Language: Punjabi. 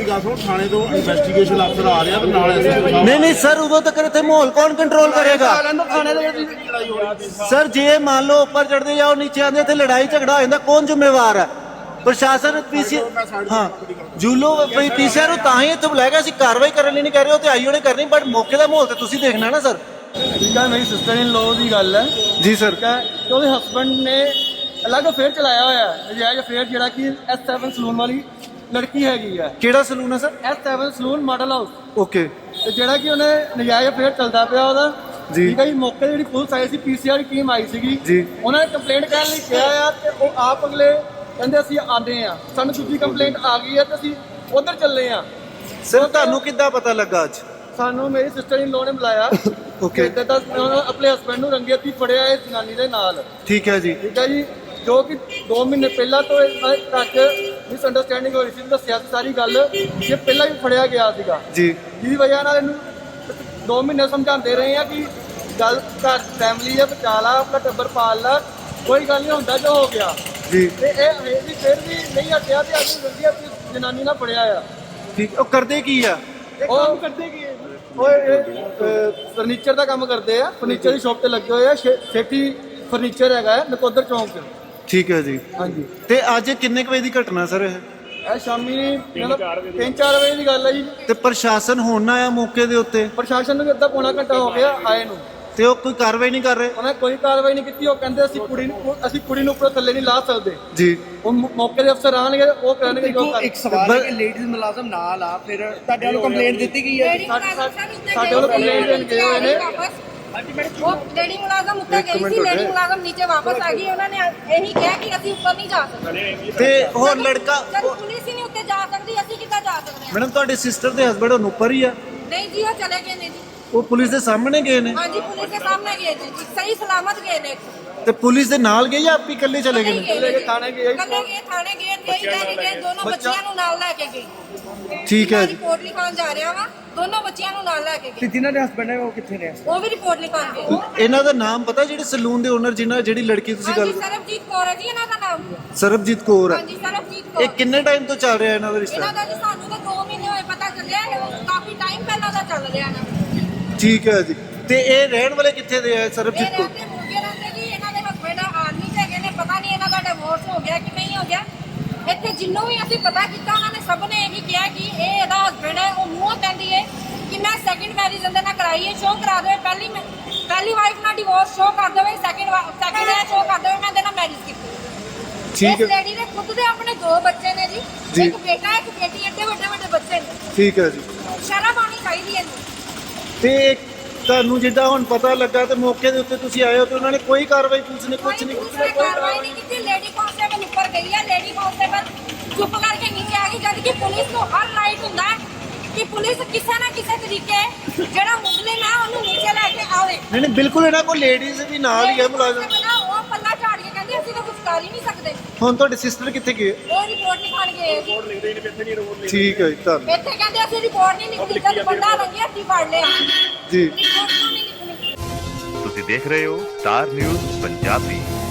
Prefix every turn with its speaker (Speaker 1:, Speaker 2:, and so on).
Speaker 1: थाने तो इन्वेस्टिगेशन अफसर आ रहा तो नाल
Speaker 2: नहीं सर उदों तक इत्थे माहौल कौन कंट्रोल करेगा सर जे मान लो ऊपर चढ़ते जाओ नीचे आते इत्थे लड़ाई झगड़ा हो जाता कौन जिम्मेवार है प्रशासन पीसी हाँ जूलो पीसीआर ਤਾਂ ਹੀ ਇੱਥੇ ਬੁਲਾਇਆ ਗਿਆ ਅਸੀਂ ਕਾਰਵਾਈ ਕਰਨ ਲਈ ਨਹੀਂ ਕਹਿ ਰਹੇ ਉਹ ਤੇ ਆਈਓ ਨੇ ਕਰਨੀ ਬਟ ਮੌਕੇ ਦਾ ਮਾਹੌਲ ਤੇ ਤੁਸੀਂ ਦੇਖਣਾ ਨਾ ਸਰ
Speaker 3: ਠੀਕ ਹੈ ਮੇਰੀ ਸਿਸਟਰ ਇਨ ਲੋ ਦੀ ਗੱਲ ਹੈ
Speaker 2: ਜੀ ਸਰ
Speaker 3: ਕਿ ਉਹਦੇ ਹਸਬੰਡ ਨੇ ਅਲੱਗ ਅਫੇਅਰ ਚਲਾਇਆ ਹੋਇਆ ਹੈ ਨਜਾਇਜ਼ ਅਫੇਅਰ ਜਿਹੜਾ ਕਿ S7 ਸਲੂਨ ਵਾਲੀ ਲੜਕੀ ਹੈਗੀ ਹੈ
Speaker 2: ਕਿਹੜਾ ਸਲੂਨ ਹੈ sir
Speaker 3: S7 salon model house
Speaker 2: okay
Speaker 3: ਤੇ ਜਿਹੜਾ ਕਿ ਉਹਨੇ ਨਜਾਇਜ਼ ਅਫੇਅਰ ਚੱਲਦਾ ਪਿਆ ਉਹਦਾ
Speaker 2: ਜੀ
Speaker 3: ਠੀਕ ਹੈ ਜੀ ਮੌਕੇ ਜਿਹੜੀ ਪੁਲਿਸ ਆਈ ਸੀ ਪੀਸੀਆਰ ਟੀਮ ਆਈ ਸੀਗੀ
Speaker 2: ਜੀ
Speaker 3: ਉਹਨਾਂ ਨੇ ਕੰਪਲੇਂਟ ਕਰਨ ਲਈ ਕਿਹਾ ਆ ਤੇ ਉਹ ਆਪ ਅਗਲੇ ਕਹਿੰਦੇ ਅਸੀਂ ਆਉਂਦੇ ਆ ਸਾਨੂੰ ਦੂਜੀ ਕੰਪਲੇਂਟ ਆ ਗਈ ਹੈ ਤੇ ਅਸੀਂ ਉਧਰ ਚੱਲੇ ਆ
Speaker 2: ਸਰ ਤੁਹਾਨੂੰ ਕਿੱਦਾਂ ਪਤਾ ਲੱਗਾ ਅੱਜ
Speaker 3: ਸਾਨੂੰ ਮੇਰੀ ਸਿਸਟਰ ਇਨ ਲੋ ਨੇ ਬੁਲਾਇਆ
Speaker 2: ਓਕੇ
Speaker 3: ਤੇ ਤਾਂ ਆਪਣੇ ਹਸਬੰਡ ਨੂੰ ਰੰਗੇ ਹੱਥੀਂ ਫੜਿਆ ਇਸ ਜਨਾਨੀ ਦੇ ਨਾਲ
Speaker 2: ਠੀਕ ਹੈ ਜੀ
Speaker 3: ਠੀਕ ਹੈ ਜੀ ਜੋ ਕਿ 2 ਮਹੀਨੇ ਪਹਿਲਾਂ ਤੋਂ ਤੱਕ ਮਿਸ ਅੰਡਰਸਟੈਂਡਿੰਗ ਹੋਈ ਸੀ ਦੱਸਿਆ ਸੀ ਸਾਰੀ ਗੱਲ ਇਹ ਪਹਿਲਾਂ ਵੀ ਫੜਿਆ ਗਿਆ ਸੀਗਾ
Speaker 2: ਜੀ
Speaker 3: ਜਿਹਦੀ ਵਜ੍ਹਾ ਨਾਲ ਇਹਨੂੰ 2 ਮਹੀਨੇ ਸਮਝਾਉਂਦੇ ਰਹੇ ਆ ਕਿ ਗੱਲ ਘਰ ਫੈਮਿਲੀ ਹੈ ਬਚਾ ਲਾ ਆਪਣਾ ਟੱਬਰ ਪਾਲ ਲਾ ਕੋਈ ਗੱਲ ਨਹੀਂ ਹੁੰਦਾ ਜੋ ਹੋ ਗਿਆ
Speaker 2: ਜੀ
Speaker 3: ਤੇ ਇਹ ਵੀ ਫਿਰ ਵੀ ਨਹੀਂ ਹਟਿਆ ਤੇ ਅੱਜ ਰੰਗੇ ਹੱਥੀਂ ਜਨਾਨੀ ਨਾਲ ਫੜਿਆ ਆ
Speaker 2: ਠੀਕ ਉਹ ਕਰਦੇ ਕੀ ਆ
Speaker 3: ਉਹ ਕਰਦੇ ਕੀ ਉਹ ਫਰਨੀਚਰ ਦਾ ਕੰਮ ਕਰਦੇ ਆ ਫਰਨੀਚਰ ਦੀ ਸ਼ਾਪ ਤੇ ਲੱਗੇ ਹੋਏ ਆ ਸੇਠੀ ਫਰਨੀਚਰ ਹੈਗਾ ਹੈ ਨਕੋਦਰ ਚੌਂਕ 'ਚ
Speaker 2: ਠੀਕ ਹੈ ਜੀ
Speaker 3: ਹਾਂਜੀ
Speaker 2: ਤੇ ਅੱਜ ਕਿੰਨੇ ਕੁ ਵਜੇ ਦੀ ਘਟਨਾ ਸਰ ਇਹ
Speaker 3: ਇਹ ਸ਼ਾਮੀ 3-4 ਵਜੇ ਦੀ ਗੱਲ ਹੈ ਜੀ
Speaker 2: ਤੇ ਪ੍ਰਸ਼ਾਸਨ ਹੁਣ ਆਇਆ ਮੌਕੇ ਦੇ ਉੱਤੇ
Speaker 3: ਪ੍ਰਸ਼ਾਸਨ ਨੂੰ ਵੀ ਅੱਧਾ ਪੌਣਾ ਘੰਟਾ ਹੋ ਗਿਆ ਆਏ ਨੂੰ
Speaker 2: ਤੇ ਉਹ ਕੋਈ ਕਾਰਵਾਈ ਨਹੀਂ ਕਰ ਰਹੇ
Speaker 3: ਉਹਨੇ ਕੋਈ ਕਾਰਵਾਈ ਨਹੀਂ ਕੀਤੀ ਉਹ ਕਹਿੰਦੇ ਅਸੀਂ ਕੁੜੀ ਨੂੰ ਉੱਪਰੋਂ ਥੱਲੇ ਨਹੀਂ ਲਾ ਸਕਦੇ
Speaker 2: ਜੀ
Speaker 3: ਉਹ ਮੌਕੇ ਦੇ ਅਫਸਰ ਆਣਗੇ ਉਹ ਕਰਨਗੇ ਜੋ
Speaker 4: ਇੱਕ ਸਵਾਲ ਹੈ ਕਿ ਲੇਡੀਜ਼ ਮੁਲਾਜ਼ਮ ਨਾਲ ਆ ਫਿਰ ਤੁਹਾਡੇ ਵੱਲੋਂ ਕੰਪਲੇਂਟ ਦਿੱਤੀ ਗਈ ਹੈ
Speaker 3: ਸਾਡੇ ਵੱਲੋਂ ਕੰਪਲੇਂਟ ਦੇਣ ਗਏ ਹੋਏ ਨੇ
Speaker 5: वो लेडी मुलाजम ऊपर गई थी लेडी मुलाजम नीचे वापस आ गई उन्होंने यही कहा कि ਅਸੀਂ ਉੱਪਰ ਨਹੀਂ ਜਾ ਸਕਦੇ
Speaker 2: ਤੇ ਹੋਰ ਲੜਕਾ
Speaker 5: ਜਦ ਪੁਲਿਸ ਹੀ ਨਹੀਂ ਉੱਤੇ ਜਾ ਸਕਦੀ ਅਸੀਂ ਕਿੱਦਾਂ ਜਾ ਸਕਦੇ ਹਾਂ
Speaker 2: ਮੈਡਮ ਤੁਹਾਡੇ ਸਿਸਟਰ ਦੇ ਹਸਬੰਡ ਹੁਣ ਉੱਪਰ ਹੀ ਆ
Speaker 5: ਨਹੀਂ ਜੀ ਉਹ ਚਲੇ ਗਏ ਨੇ ਜੀ
Speaker 2: ਉਹ ਪੁਲਿਸ ਦੇ ਸਾਹਮਣੇ ਗਏ ਨੇ
Speaker 5: ਹਾਂਜੀ ਪੁਲਿਸ ਦੇ ਸਾਹਮਣੇ ਗਏ ਨੇ ਜੀ ਸਹੀ ਸਲਾਮਤ ਗਏ ਨੇ
Speaker 2: ਤੇ ਪੁਲਿਸ ਦੇ ਨਾਲ ਗਏ ਜਾਂ ਆਪ ਹੀ ਇਕੱਲੇ ਚਲੇ ਗਏ ਨੇ
Speaker 3: ਲੈ ਕੇ ਥਾਣੇ ਗਏ
Speaker 5: ਕੱਲੇ ਗਏ ਥਾਣੇ ਗਏ ਨਹੀਂ ਲੈ ਕੇ ਗਏ ਦੋਨੋਂ ਬੱਚਿਆਂ ਨੂੰ ਨਾਲ ਲੈ ਕੇ ਗਏ
Speaker 2: ਠੀਕ ਹੈ ਜੀ
Speaker 5: ਰਿਪੋਰਟ ਲਿਖਾਉਣ ਜਾ ਰਿਹਾ ਵਾ ਦੋਨੋਂ ਬੱਚਿਆਂ ਨੂੰ ਨਾਲ ਲੈ ਕੇ
Speaker 4: ਤੇ
Speaker 5: ਗਏ
Speaker 4: ਜਿਨ੍ਹਾਂ ਦੇ ਹਸਬੰਡ ਹੈ ਉਹ ਕਿੱਥੇ ਨੇ
Speaker 5: ਉਹ ਵੀ ਰਿਪੋਰਟ ਲਿਖਾਉਣ ਗਏ
Speaker 2: ਇਹਨਾਂ ਦਾ ਨਾਮ ਪਤਾ ਜਿਹੜੇ ਸਲੂਨ ਦੇ ਓਨਰ ਜਿਹੜੀ ਲੜਕੀ ਤੁਸੀਂ ਗੱਲ
Speaker 5: ਹਾਂਜੀ ਸਰਬਜੀਤ ਕੌਰ ਹੈ ਜੀ ਇਹਨਾਂ ਦਾ ਨਾਮ
Speaker 2: ਸਰਬਜੀਤ ਕੌਰ ਹੈ
Speaker 5: ਹਾਂਜੀ ਸਰਬਜੀਤ
Speaker 2: ਇਹ
Speaker 5: ਕੌਰ
Speaker 2: ਕਿੰਨੇ ਟਾਈਮ ਤੋਂ ਚੱਲ ਰਿਹਾ ਇਹਨਾਂ ਦਾ ਰਿਸ਼ਤਾ
Speaker 5: ਇਹਨਾਂ ਦਾ ਜੀ ਸਾਨੂੰ ਤਾਂ 2 ਮਹੀਨੇ ਹੋਏ ਪਤਾ ਚੱਲਿਆ ਕਾਫੀ ਟਾਈਮ ਪਹਿਲਾਂ ਦਾ ਚੱਲ ਰਿਹਾ ਨਾ
Speaker 2: ਠੀਕ ਹੈ ਜੀ ਤੇ ਇਹ ਰਹਿਣ ਵਾਲੇ ਕਿੱਥੇ ਦੇ ਆ
Speaker 5: ਇਹ
Speaker 2: ਸਰਬਜੀਤ ਕੌਰ
Speaker 5: ਰਹਿੰਦੇ ਮੁਰਗੇ ਰਹਿੰਦੇ ਜੀ ਇਹਨਾਂ ਦੇ ਹਸਬੰਡ ਆਰਮੀ ਚ ਹੈਗੇ ਨੇ ਪਤਾ ਨਹੀਂ ਇਹਨਾਂ ਦਾ ਡਿਵੋਰਸ ਹੋ ਗਿਆ ਕਿ ਨਹੀਂ ਹੋ ਗਿਆ ਇੱਥੇ ਜਿੰਨੂੰ ਵੀ ਅਸੀਂ ਪਤਾ ਕੀਤਾ ਉਹਨਾਂ ਨੇ ਸਭ ਨੇ ਇਹੀ ਕਿਹਾ ਕਿ ਇਹ ਇਹਦਾ ਹਸਬੰਡ ਹੈ ਉਹ ਮੂੰਹ ਕਹਿੰਦੀ ਹੈ ਕਿ ਮੈਂ ਸੈਕਿੰਡ ਮੈਰਿਜ ਇਹਦੇ ਨਾਲ ਕਰਾਈ ਹੈ ਸ਼ੋਅ ਕਰਾ ਦੇਵੇ ਪਹਿਲੀ ਵਾਈਫ ਨਾਲ ਡਿਵੋਰਸ ਸ਼ੋਅ ਕਰ ਦੇਵੇ ਸੈਕਿੰਡ ਹੈ ਸ਼ੋਅ ਕਰ ਦੇਵੇ ਮੈਂ ਇਹਦੇ ਨਾਲ ਮੈਰਿਜ ਕੀਤੀ
Speaker 2: ਠੀਕ
Speaker 5: ਇਸ
Speaker 2: ਹੈ
Speaker 5: ਲੇਡੀ ਦੇ ਖੁਦ ਦੇ ਆਪਣੇ 2 ਬੱਚੇ ਨੇ
Speaker 2: ਜੀ।
Speaker 5: ਜੀ ਇੱਕ ਬੇਟਾ ਇੱਕ ਬੇਟੀ ਐਡੇ ਵੱਡੇ ਬੱਚੇ ਨੇ
Speaker 2: ਠੀਕ ਹੈ ਜੀ
Speaker 5: ਸ਼ਰਮ ਆਉਣੀ ਚਾਹੀਦੀ ਹੈ ਇਹਨੂੰ
Speaker 2: ਤੇ ਤੁਹਾਨੂੰ ਜਿੱਦਾਂ ਹੁਣ ਪਤਾ ਲੱਗਾ ਤੇ ਮੌਕੇ ਦੇ ਉੱਤੇ ਤੁਸੀਂ ਆਏ ਹੋ ਤੇ ਉਹਨਾਂ ਨੇ ਕੋਈ ਕਾਰਵਾਈ ਪੁਲਿਸ ਨੇ ਕੁਝ ਨਹੀਂ
Speaker 5: ਕੋਈ ਕਾਰਵਾਈ ਨਹੀਂ ਕੀਤੀ ਲੇਡੀ ਕਾਂਸਟੇਬਲ ਉੱਪਰ ਗਈ ਹੈ ਲੇਡੀ ਕਾਂਸਟੇਬਲ ਚੁੱਪ ਕਰਕੇ ਨੀਚੇ ਆ ਗਈ ਜਦ ਕਿ ਪੁਲਿਸ ਨੂੰ ਹਰ ਰਾਈਟ ਹੁੰਦਾ ਹੈ ਕਿ ਪੁਲਿਸ ਕਿਸੇ ਨਾ ਕਿਸੇ ਤਰੀਕੇ ਜਿਹੜਾ ਮੁਸਲਿਮ ਹੈ ਉਹਨੂੰ ਨੀਚੇ ਲੈ ਕੇ ਆਵੇ
Speaker 2: ਨਹੀਂ ਬਿਲਕੁਲ ਇਹਨਾਂ ਕੋਲ ਲੇਡੀਜ਼ ਵੀ ਨਾਲ ਹੀ ਹੈ ਮੁਲਾਜ਼ਮ
Speaker 5: ਉਹ ਪੱਲਾ ਝਾੜ ਕੇ ਕਹਿੰਦੇ ਅਸੀਂ ਤਾਂ ਕੁਝ ਕਰ ਹੀ ਨਹੀਂ ਸਕਦੇ
Speaker 2: ਹੁਣ ਤੁਹਾਡੇ ਸਿਸਟਰ ਕਿੱਥੇ ਗਏ
Speaker 5: ਉਹ ਰਿਪੋਰਟ ਲਿਖਾਣ ਗਏ ਰਿਪੋਰਟ ਲਿਖਦੇ ਨੇ ਇੱਥੇ ਨਹੀਂ
Speaker 2: ਠੀਕ ਹੈ ਜੀ ਧੰਨਵਾਦ
Speaker 5: ਇੱਥੇ ਕਹਿੰਦੇ ਅਸੀਂ ਰਿਪੋਰਟ ਨਹੀਂ ਲਿਖੀ ਜਦ ਬੰਦਾ ਰੰਗੇ ਹੱਥੀਂ ਫੜ ਲਿਆ
Speaker 2: ਜੀ
Speaker 5: ਰਿਪੋਰਟ ਕਿਉਂ ਨਹੀਂ ਲਿਖਣੀ
Speaker 6: ਤੁਸੀਂ ਦੇਖ ਰਹੇ ਹੋ ਸਟਾਰ ਨਿਊਜ਼ ਪੰਜਾਬੀ।